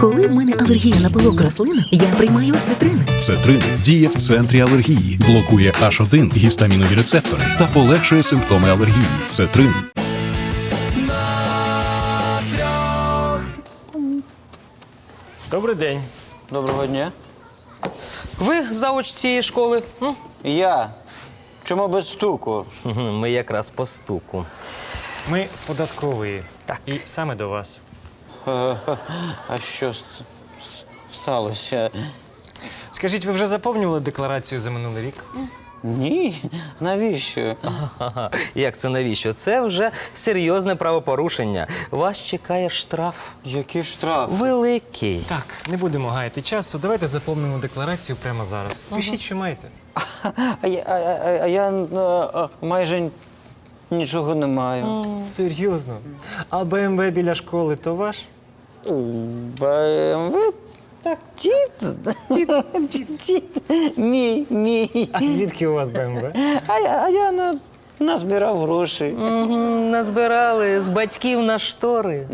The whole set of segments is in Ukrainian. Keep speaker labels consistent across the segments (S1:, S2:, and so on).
S1: Коли в мене алергія на пилок рослин, я приймаю цитрин.
S2: Цетрин діє в центрі алергії, блокує H1 гістамінові рецептори та полегшує симптоми алергії. Цетрин.
S3: Добрий день.
S4: Доброго дня.
S5: Ви завуч цієї школи?
S4: Я. Чому без стуку?
S5: Ми якраз по стуку.
S3: Ми з податкової.
S5: Так.
S3: І саме до вас.
S4: А що сталося?
S3: Скажіть, ви вже заповнювали декларацію за минулий рік?
S4: Ні. Навіщо?
S5: Ага. Як це навіщо? Це вже серйозне правопорушення. Вас чекає штраф.
S4: Який штраф?
S5: Великий.
S3: Так, не будемо гаяти часу. Давайте заповнимо декларацію прямо зараз. Пишіть, що маєте.
S4: А я майже нічого не маю.
S3: Серйозно? А БМВ біля школи то ваш?
S4: БМВ? Так. Дід. Мій.
S3: А звідки у вас БМВ?
S4: А я назбирав гроші.
S5: Назбирали з батьків на штори.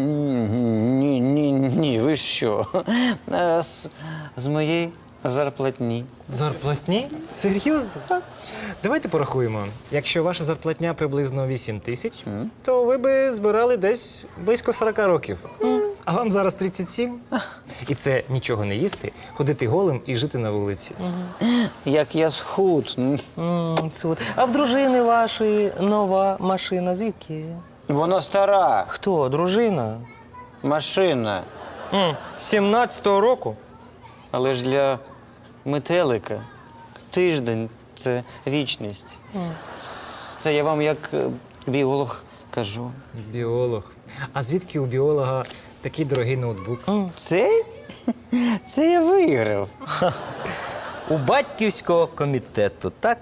S4: Ні, ви що? З моєї зарплатні.
S3: Зарплатні? Серйозно? Так. Давайте порахуємо. Якщо ваша зарплатня приблизно 8 тисяч, то ви би збирали десь близько 40 років. А вам зараз 37. І це нічого не їсти, ходити голим і жити на вулиці.
S4: Як я схуд.
S5: А в дружини вашої нова машина звідки?
S4: Вона стара.
S5: Хто? Дружина?
S4: Машина.
S5: 17-го року?
S4: Але ж для метелика тиждень – це вічність. Це я вам як біолог кажу.
S3: Біолог. А звідки у біолога такий дорогий ноутбук?
S4: Це? Це я виграв.
S5: У батьківського комітету, так?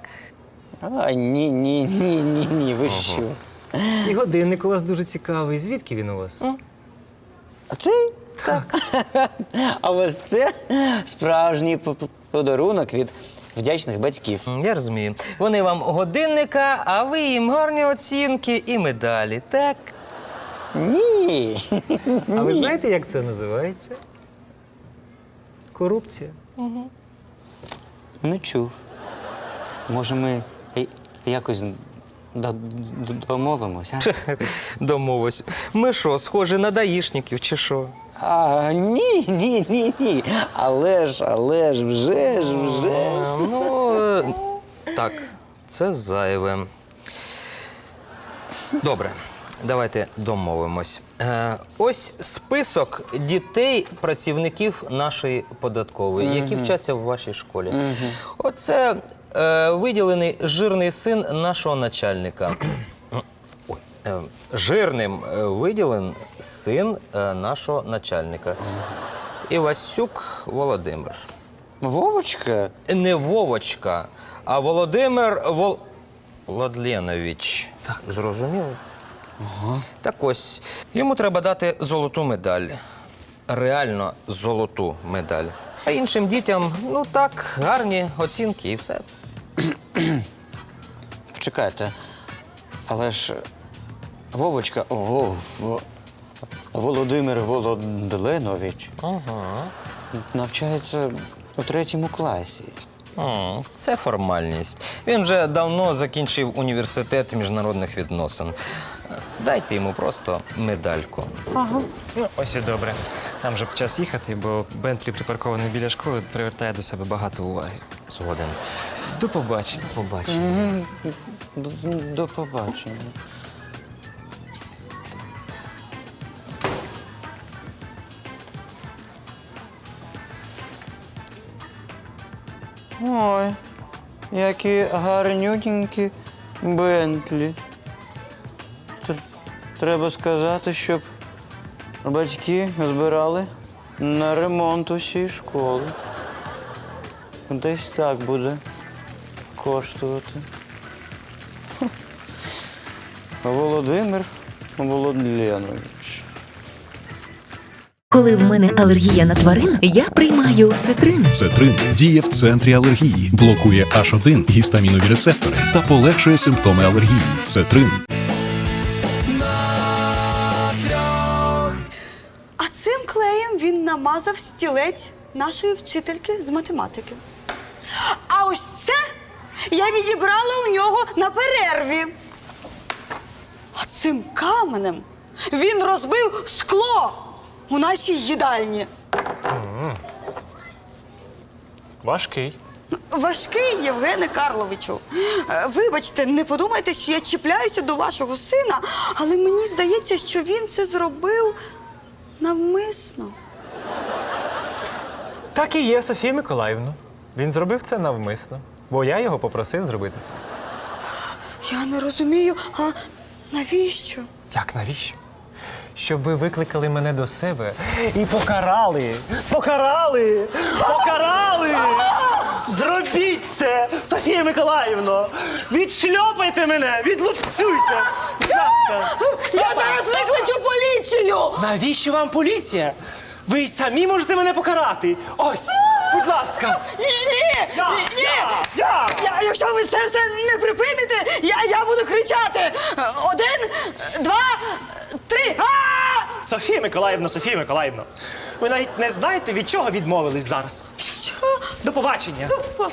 S4: Ні, ви що?
S3: І годинник у вас дуже цікавий. Звідки він у вас?
S4: А це? Так. А ось це справжній подарунок від вдячних батьків.
S5: Я розумію. Вони вам годинника, а ви їм гарні оцінки і медалі, так?
S4: Ні.
S3: А ви знаєте, як це називається? Корупція.
S4: Не чув. Може, ми якось домовимося?
S5: Домовись. Ми що, схожі на даїшників чи що?
S4: Ні. Але ж, вже ж.
S5: Так, це зайве. Добре, давайте домовимось. Ось список дітей, працівників нашої податкової, які вчаться в вашій школі. Оце виділений жирний син нашого начальника. Жирним виділен син нашого начальника. Івасюк Володимир.
S4: Вовочка?
S5: Не Вовочка, а Володимир Владленович. Так. Зрозуміло? Ага. Так ось, йому треба дати золоту медаль. Реально золоту медаль. А іншим дітям, так, гарні оцінки і все.
S4: Почекайте. Але ж Вовочка, Володимир Володленович навчається у 3 класі.
S5: Це формальність. Він вже давно закінчив університет міжнародних відносин. Дайте йому просто медальку.
S3: Ось і добре. Нам вже час їхати, бо Бентлі, припаркований біля школи, привертає до себе багато уваги.
S5: Згоден.
S3: До побачення.
S5: Побачимо.
S4: До побачення. Ой, які гарнюнькі Бентлі. Треба сказати, щоб батьки збирали на ремонт усієї школи. Десь так буде коштувати. Володимир Володленович.
S1: Коли в мене алергія на тварин, я приймаю цитрин.
S2: Цетрин діє в центрі алергії, блокує H1 гістамінові рецептори та полегшує симптоми алергії. Цетрин.
S6: А цим клеєм він намазав стілець нашої вчительки з математики. А ось це я відібрала у нього на перерві. А цим каменем він розбив скло у нашій їдальні.
S3: Важкий.
S6: Важкий, Євгене Карловичу. Вибачте, не подумайте, що я чіпляюся до вашого сина, але мені здається, що він це зробив навмисно.
S3: Так і є, Софія Миколаївна. Він зробив це навмисно, бо я його попросив зробити це.
S6: Я не розумію, а навіщо?
S3: Як, навіщо? Щоб ви викликали мене до себе і покарали! Покарали! Покарали! Зробіть це, Софія Миколаївна! Відшльопайте мене! Відлупцюйте! Будь ласка!
S6: Я зараз викличу поліцію!
S7: Навіщо вам поліція? Ви й самі можете мене покарати. Ось, будь ласка.
S6: Ні! Якщо ви це все не припините, я буду кричати. 1, 2, 3.
S7: Софія Миколаївна, ви навіть не знаєте, від чого відмовились зараз.
S6: Що?
S7: До побачення.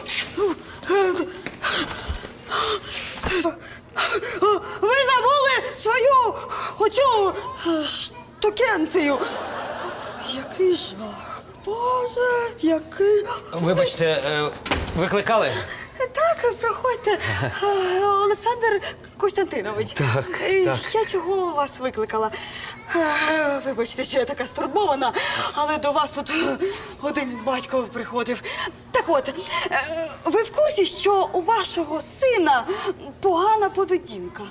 S6: Ви забули свою оцю штукенцію. Який жах. Боже, який...
S5: Вибачте, викликали?
S6: Так, проходьте. Олександр Костянтинович.
S5: Так.
S6: Я чого вас викликала? Вибачте, що я така стурбована, але до вас тут один батько приходив. Так от, ви в курсі, що у вашого сина погана поведінка?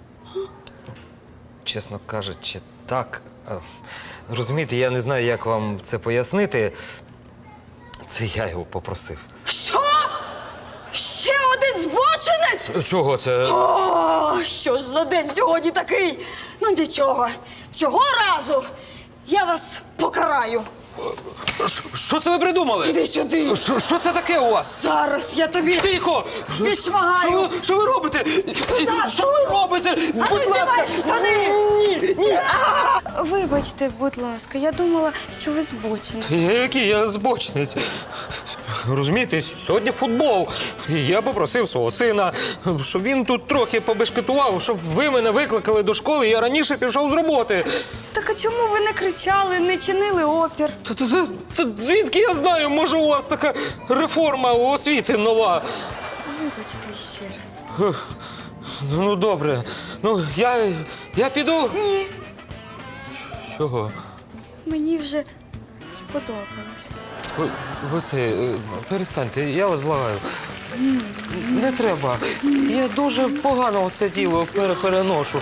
S5: Чесно кажучи, так. Розумієте, я не знаю, як вам це пояснити. Це я його попросив.
S6: Що? Ще один збочинець?
S5: Чого це?
S6: О, що ж за день сьогодні такий? Ну нічого, цього разу я вас покараю.
S5: Що це ви придумали?
S6: Іди сюди.
S5: Що це таке у вас?
S6: Зараз я тобі
S5: Тихо!
S6: відшмагаю.
S5: Що ви робите? Що ви робите?
S6: А ну знімай штани! Ні! Вибачте, будь ласка, я думала, що ви збочені.
S5: Який я збочинець? Розумієте, сьогодні футбол. І я попросив свого сина, щоб він тут трохи побешкетував, щоб ви мене викликали до школи, і я раніше пішов з роботи.
S6: Так а чому ви не кричали, не чинили опір?
S5: Та звідки я знаю, може у вас така реформа освіти нова?
S6: Вибачте ще раз.
S5: Ну, добре. Ну, я піду.
S6: Ні,
S5: Чого?
S6: мені вже сподобалось.
S5: Ви це, перестаньте, я вас благаю. Не треба. Я дуже погано це діло переношу.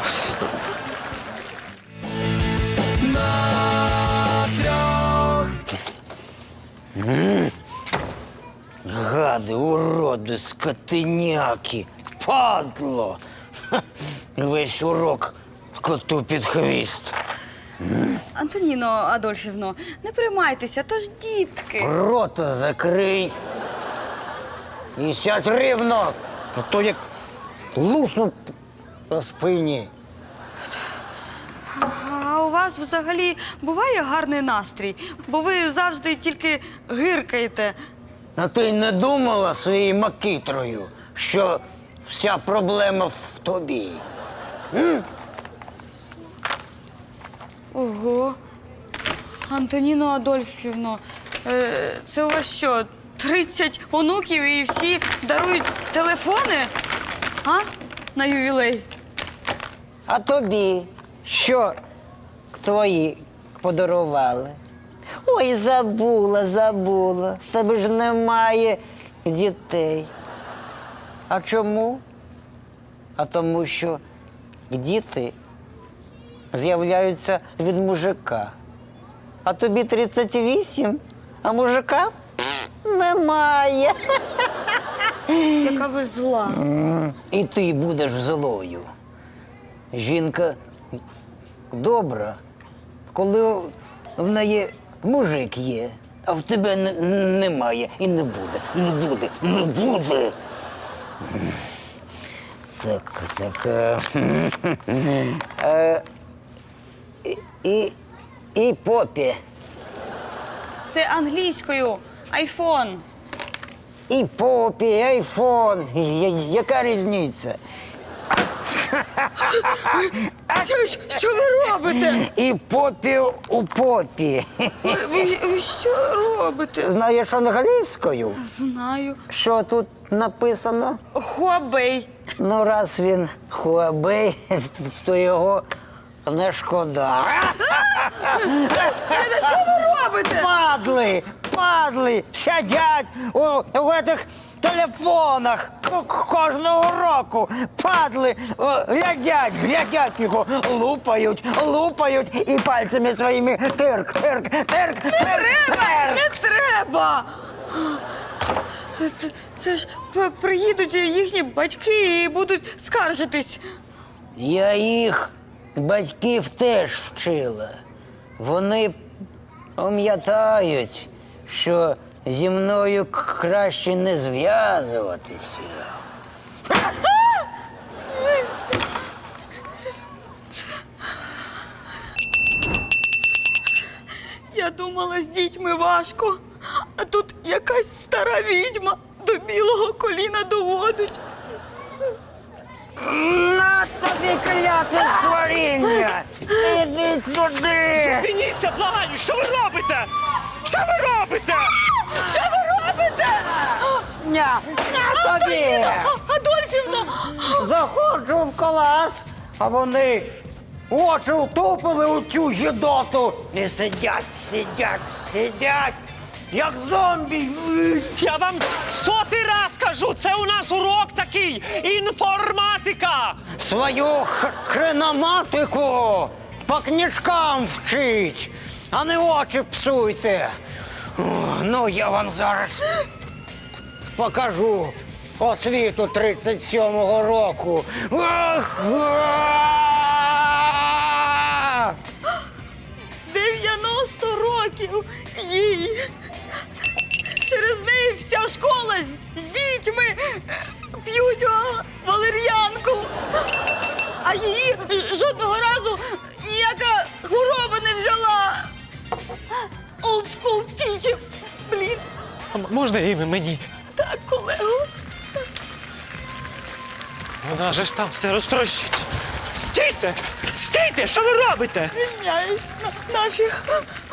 S4: Гади, уроди, скотиняки, падло. Ха, весь урок коту під хвіст.
S6: Антоніно Адольфівно, не приймайтеся, то ж дітки.
S4: Рота закрий. І сядь рівно, а то як лусну по спині.
S6: А у вас взагалі буває гарний настрій? Бо ви завжди тільки гиркаєте.
S4: А ти не думала своєю макітрою, що вся проблема в тобі?
S6: Ого. Антоніно Адольфівно, це у вас що, 30 онуків і всі дарують телефони? А? На ювілей?
S4: А тобі що твої подарували? Ой, забула. В тебе ж немає дітей. А чому? А тому що діти з'являються від мужика. А тобі 38, а мужика немає.
S6: Яка ви зла.
S4: І ти будеш злою. Жінка добра, коли в неї мужик є, а в тебе немає і не буде. Так. І попі.
S6: Це англійською. Айфон.
S8: І попі, і айфон. Яка різниця?
S6: Що ви робите?
S8: І попі у попі.
S6: Ви що робите?
S8: Знаєш англійською?
S6: Знаю.
S8: Що тут написано?
S6: Хуабей.
S8: Ну, раз він Huawei, то його не шкода.
S6: Що ви робите?
S8: Падли, сидять у цих телефонах кожного року. Падли, глядять його, лупають і пальцями своїми тирк.
S6: Не треба! Це ж приїдуть їхні батьки і будуть скаржитись.
S8: Я їх батьків теж вчила. Вони пам'ятають, що зі мною краще не зв'язуватися.
S6: Я думала, з дітьми важко, а тут якась стара відьма до білого коліна доводить.
S8: На тобі кляте створіння! Іди сюди!
S7: Зупиніться, благаю, що ви робите? Що ви робите?
S6: Що ви робите?
S8: На тобі!
S6: Адольфівно!
S8: Заходжу в клас, а вони очі втупили у цю гідоту і сидять, як зомбі.
S7: Я вам сотий раз кажу, це у нас урок такий, інформатика.
S8: Свою хреноматику по книжкам вчить, а не очі псуйте. О, ну, я вам зараз покажу освіту 37-го року. Ах!
S6: 90 років їй. Через неї вся школа з дітьми п'ють валер'янку. А її жодного разу ніяка хвороба не взяла. Old school teacher. Блін.
S7: Можна ім'я мені?
S6: Так, колего.
S7: Вона же ж там все розтрощить. Стійте! Стійте! Що ви робите?
S6: Звільняюсь. Нафіг.